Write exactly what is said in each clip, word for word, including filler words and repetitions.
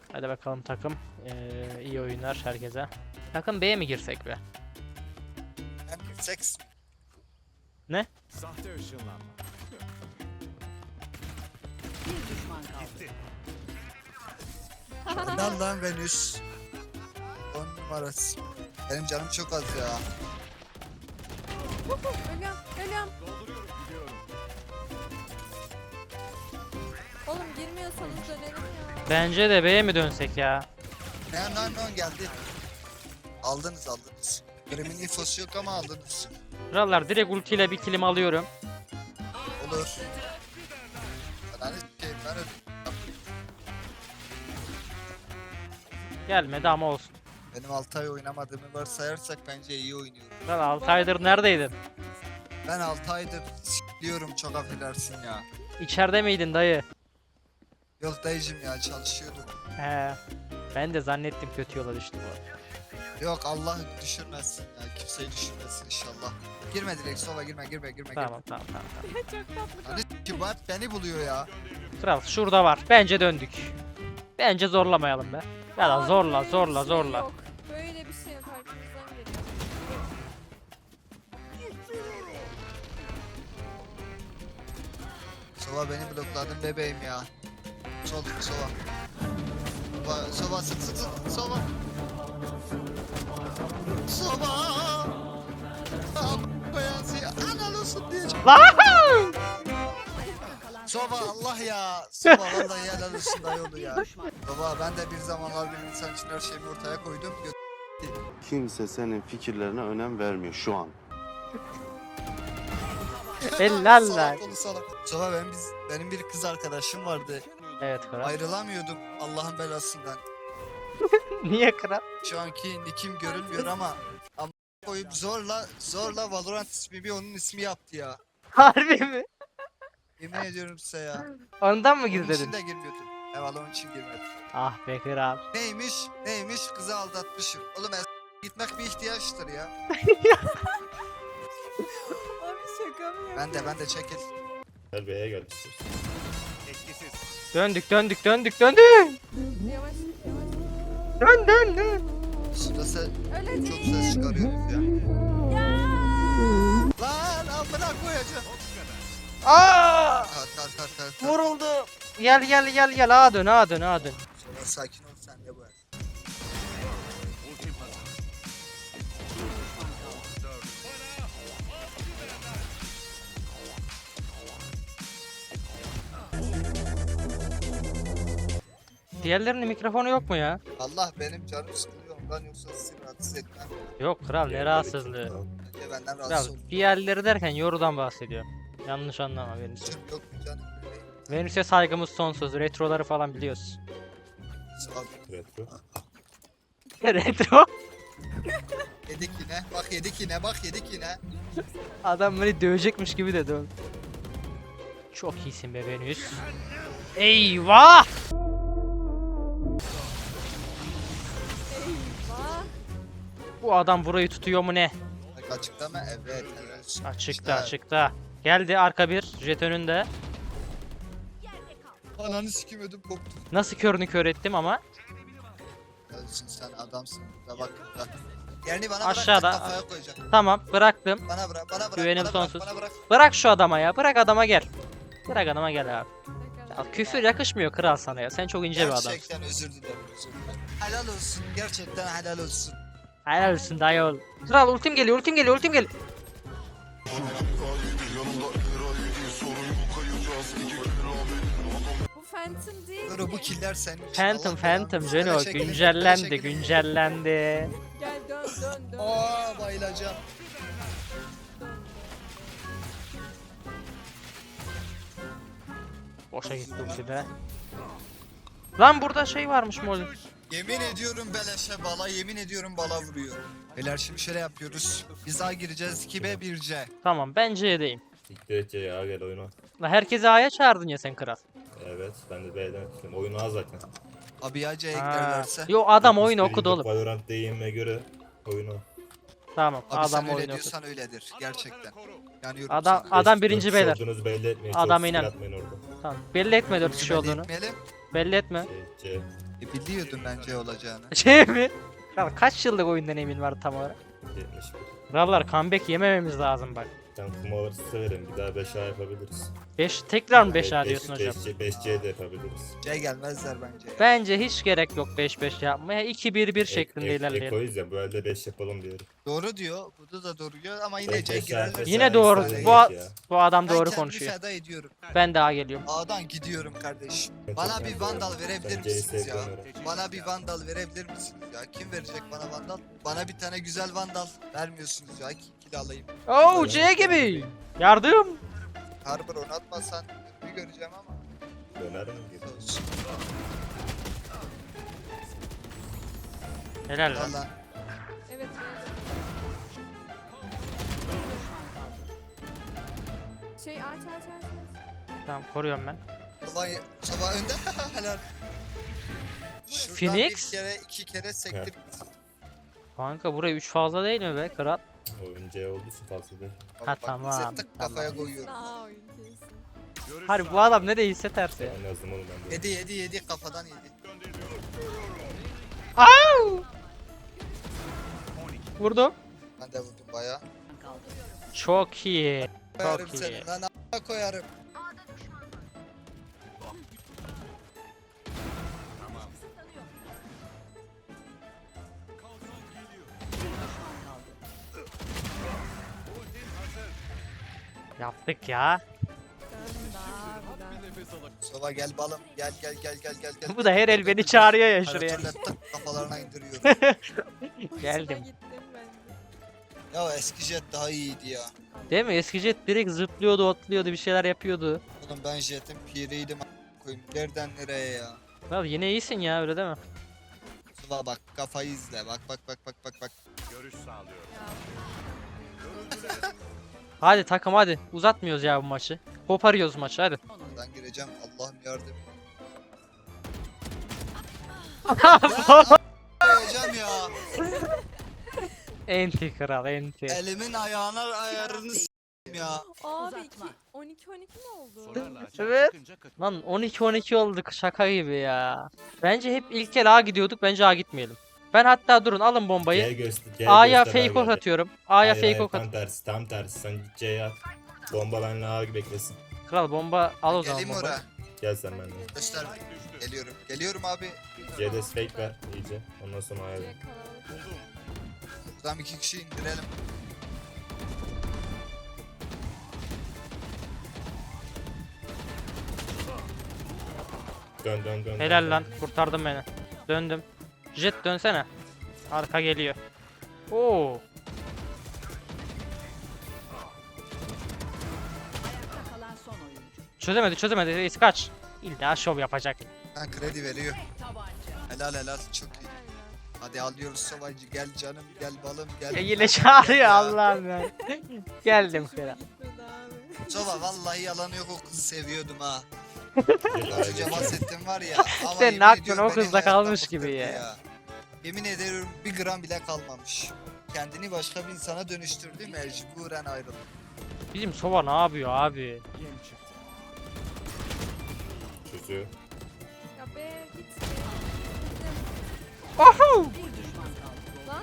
Hadi bakalım takım. Ee, iyi oyunlar herkese. Takım B'ye mi girsek be? Hem seks. Ne? Sahte ışınlanma. Bir düşman kaldı. İnan lan Venüs. On numarası. Benim canım çok az ya. Ölüyorum, ölüyorum. Dolduruyorum, gidiyorum. Oğlum girmiyorsanız dönelim ya. Bence de B'ye mi dönsek ya? Ne lan lan geldi. Aldınız aldınız. Grimin infosu yok ama aldınız. Krallar direkt ultiyle bir kilim alıyorum. Olur. Ben hani şey ben öyle. Gelmedi ama olsun. Benim altı ay oynamadığımı varsayarsak bence iyi oynuyorum. Kral altı aydır neredeydin? Ben altı aydır s**liyorum, çok affedersin ya. İçeride miydin dayı? Yok dayıcım ya, çalışıyordum. He. Ben de zannettim kötü yola düştüm. Yok Allah düşürmesin ya, kimseyi düşürmesin inşallah. Girme direkt sola, girme girme girme. Tamam tamam tamam. tamam. Çok tatlı. Hani s**ki bu hep beni buluyor ya. Kral şurada var. Bence döndük. Bence zorlamayalım be. Ya da Abi zorla böyle bir zorla şey zorla. Yok. Böyle bir şey yok, arkamızdan geliyor. Sova beni blokladın bebeğim ya. Sol sova. Sova, sova sık sık sık sova. Sova. Beyaz ya, anal olsun diye. Sova Allah ya. Sova vallahi helal olsun dayı ya. Baba ben de bir zamanlar bir insan için her şeyimi ortaya koydum. Gö- Kimse senin fikirlerine önem vermiyor şu an. Helal lan. Salak oğlu salak. Sova benim, biz, benim bir kız arkadaşım vardı. Evet kral. Ayrılamıyordum Allah'ın belasından. Niye kral? Şu anki nickim görünmüyor ama ama koyup zorla zorla Valorant ismi onun ismi yaptı ya. Harbi mi? Yemin ediyorum size ya. Ondan mı Onun için gizledin? de girmiyordum. Evet onun için girmedim. Ah be kral. Neymiş? Neymiş? Kızı aldatmışım. Oğlum es- gitmek bir ihtiyaçtır ya. Abi şaka mı ya? Ben de ben de çekil. Gel B'ye gel. Etkisiz. Döndük döndük döndük döndük. Yavaş yavaş. Dön dön dön. Şurada se Öyle çok değil. ses çıkarıyoruz ya. Ya. Lan amına koyacağım. Aa! Kar kar kar kar kar. Vuruldu. Gel gel gel gel A dön A dön A dön. Sonra sakin ol sen de bu el. Ultim hazır. Diğerlerinin mikrofonu yok mu ya? Allah benim canım sıkılıyor ondan, yoksa sizi rahatsız etmem. Yok kral ne rahatsızlığı. Bence benden Kral rahatsız olun. diğerleri derken yorudan bahsediyor. Yanlış anlama Venüs. Canım yok mu canım? Venüs'e saygımız sonsuz. Retroları falan biliyoruz. Sağ ol. Retro. Retro? Yedik yine. Bak yedik yine. Bak yedik yine. Adam beni dövecekmiş gibi dedi oğlum. Çok iyisin be Venüs. Eyvah! Eyvah. Bu adam burayı tutuyor mu ne? Bak açıkta mı? Evet. Evet. Açıkta İşte. açıkta. Geldi arka bir. Jet önünde. Ananı sikim ödüm koptu. Nasıl körünü kör ettim ama. Ölsün sen adamsın. Da bak. Da. Yerini bana Aşağıda. bırak. Kafaya koyacağım. Tamam bıraktım. Bana bırak. Bana bırak. Güvenim bana bırak, sonsuz. Bana bırak. Bırak şu adama ya. Bırak adama gel. Bırak adama gel abi. Ya, küfür yakışmıyor kral sana ya. Sen çok ince bir adamsın. Gerçekten özür dilerim. Özür dilerim. Helal olsun. Gerçekten helal olsun. Helal olsun dayı ol. Kral ultim geliyor ultim geliyor ultim geliyor. Bu Phantom değil Dur bu ki. killer senin için. Phantom Allah Phantom belanı. Jeno Böyle çekilin, güncellendi böyle çekilin. güncellendi. Gel dön dön dön. Aa bayılacağım. Boşa gitti ulti de. Lan burada şey varmış mol. Yemin ediyorum beleşe bala, yemin ediyorum bala vuruyor. Beyler şimdi şöyle yapıyoruz. Biz A gireceğiz, iki B bir C. Tamam ben C'deyim. İlk derece ya gel oyuna. La herkesi A'ya çağırdın ya sen kral. Evet ben de B'den tutayım. Oyunu az zaten. Abi ya C'ye Ha. giderlerse. Yo adam oyunu Birinci okudu oğlum. Valorant deyime göre oyunu. Tamam Abi adam sen öyle oyunu okudu. diyorsan öyledir gerçekten. Yani yorum Adam sana. adam Dört- birinci dört beyler. kişi olduğunuzu belli etmeyin. Adam Çok inan. skill atmayın orada. Tamam belli etme dört kişi Belli olduğunu. etmeyelim. Belli etme. C, C, E, biliyordum bence olacağını. Şey mi? Kral kaç yıllık oyundan emin var tam olarak? yetmiş bir. Krallar comeback yemememiz lazım bak. Sen kumaları severim. Bir daha beş A yapabiliriz. beş tekrar mı beş A diyorsun hocam? beş C de yapabiliriz. C gelmezler bence. ya. Bence hiç gerek yok beş beş yapmaya. iki bir bir şeklinde Ek- ek- ilerleyelim. Ekoyuz ya bu elde beş yapalım diyorum. Doğru diyor. Bu da doğru diyor ama yine Beş- C beş girerler. saat- Yine beş doğru. saat Bu, a- geç ya. bu adam Ben doğru kendimi konuşuyor. feda ediyorum. Ben daha geliyorum. A'dan gidiyorum kardeşim. Evet, Bana evet, bir evet. vandal verebilir Ben C'yi misiniz ya? sevmiyorum. Bana bir vandal verebilir misiniz ya? Kim verecek bana vandal? Bana bir tane güzel vandal vermiyorsunuz ya. Kill alayım. Oo C gibi. Yardım. Harbor onu atmasan bir göreceğim ama. Döner mi gibi? Olsun. Helal lan. Valla. Evet. Şey aç aç aç. aç. Tamam koruyorum ben. Sabah, sabah önde. Helal. Şuradan Phoenix? bir kere iki kere sektir. Kanka buraya üç fazla değil mi be kral? Oyun C olduğu için fazla değil. Ha, tamam, Tık kafaya koyuyorum. Aa oyun kesin. Görüş Harbi bu sağlıyorum. adam ne değilse ters ya. En azından oğlum ben de. Yedi yedi yedi kafadan yedi. Au! Vurdum. Ben de vurdum baya. Çok iyi. Koyarım Çok iyi. seni lan a**a koyarım. Yaptık ya. Ben daha bir daha. Bir nefes alın. Sova gel balım gel gel gel gel gel gel. Bu da her el beni çağırıyor ya şuraya. Şuraya. Tık kafalarına indiriyorum. Hoşuma Geldim. gittim ben de. Ya eski jet daha iyiydi ya. Değil mi? Eski jet direkt zıplıyordu, otluyordu, bir şeyler yapıyordu. Oğlum ben jetin piriydim a**a koyayım. Nereden nereye ya? Kral yine iyisin ya öyle değil mi? Sova bak kafayı izle bak bak bak bak bak bak. Görüş sağlıyorum. Hadi takım hadi. Uzatmıyoruz ya bu maçı. Koparıyoruz maçı hadi. Ben gireceğim Allah'ım yardım. Koyacağım ya. Enti kral enti. Elimin ayağına ayarını s**eyim ya. Abi iki, Uzatma. on iki on iki mi oldu? Sorarla açığa Evet. çıkınca katıl. Lan on iki on iki olduk şaka gibi ya. Bence hep ilk el A gidiyorduk. Bence A gitmeyelim. Ben hatta durun alın C bombayı. göster. C A'ya göster, fake ok geldi. atıyorum. A'ya Hayır, fake hayır, ok tam at. tersi tam tersi. Sen git C'ye at. Bomba benle A gibi beklesin. Kral bomba al o zaman Geleyim bombayı. oraya. Gel sen benimle. Göster. Geliyorum. Geliyorum abi. C'de fake ver iyice. Ondan sonra A'ya ver. Diye kalabalık. Buldum. Buradan iki kişi indirelim. Dön dön dön. Helal dön, lan dön. kurtardın beni. Döndüm. Jet dönsene. Arka geliyor. Oo. Ayakta kalan son oyuncu. Çözemedi çözemedi. Reis kaç. İlla şov yapacak. Ben kredi veriyor. Tabanca. Helal helal çok iyi. Hadi alıyoruz Sovacı gel canım gel balım gel. Ya yine çağırıyor Allah'ım ya. Geldim Hoşuma kral. gitmedi abi. Sova vallahi yalanı yok o kızı seviyordum ha. Gel A'ya Az önce geçelim. bahsettim var ya. Ama Sen yemin ne yaptın, ediyorum o beni kızla hayattan kalmış gibi bıktırdı ya. Yemin ederim bir gram bile kalmamış. Kendini başka bir insana dönüştürdü mecburen ayrıldı. Bizim Sova ne yapıyor abi? Yem çıktı. Çözüyor. Ya be git. Oho! Bir düşman kaldı. Lan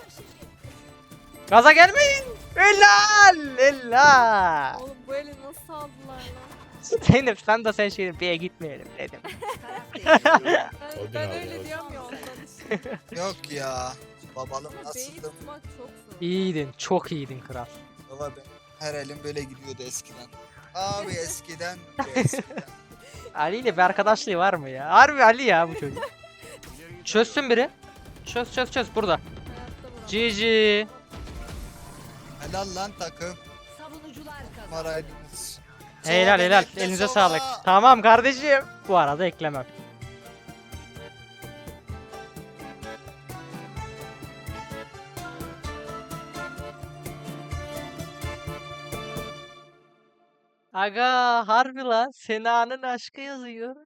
Gaza gelmeyin. Helal! Helal! oğlum bu eli nasıl aldılar lan? Zeynep sen de sen şey B'ye gitmeyelim dedim. Taraf değiştiriliyor. Ben, O gün ben aldı, öyle o gün. diyorum ya ondan işte. Yok ya. Babalım Ama beyi nasıldım? tutmak çok zor. İyiydin, çok iyiydin kral. Baba ben her elim böyle gidiyordu eskiden. Abi eskiden. eskiden. Ali ile bir arkadaşlığı var mı ya? Harbi Ali ya bu çocuk. Çözsün biri. Çöz çöz çöz burada. Hayatta vuramam. G G. Helal lan takım. Savunucular kazandı. Maraydınız. Helal helal. Elinize sağlık. Tamam kardeşim. Bu arada eklemem. Aga harbi lan Sena'nın aşkı yazıyor.